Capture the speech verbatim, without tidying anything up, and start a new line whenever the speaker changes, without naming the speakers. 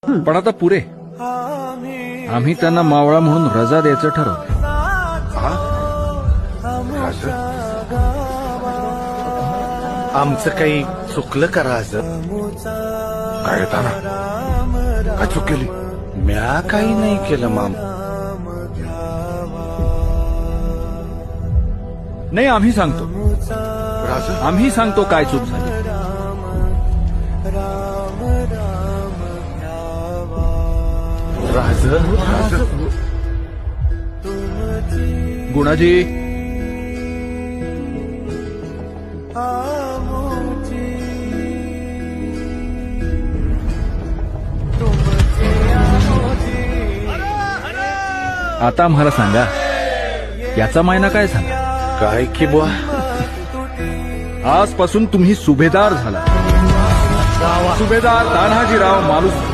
पण आता पुरे आम्ही त्यांना मावळा म्हणून रजा द्यायचं ठरवलं.
आमचं काही चुकलं का राज?
काय ताना काय चूक केली?
म्या काही नाही केलं माम.
नाही आम्ही सांगतो
राज
आम्ही सांगतो काय चूक झाली.
राज
गुणाजी आता आम्हाला सांगा याचा मायना काय झाला?
काय की बुवा?
आजपासून तुम्ही सुभेदार झाला. सुभेदार तान्हाजीराव मालुसकर.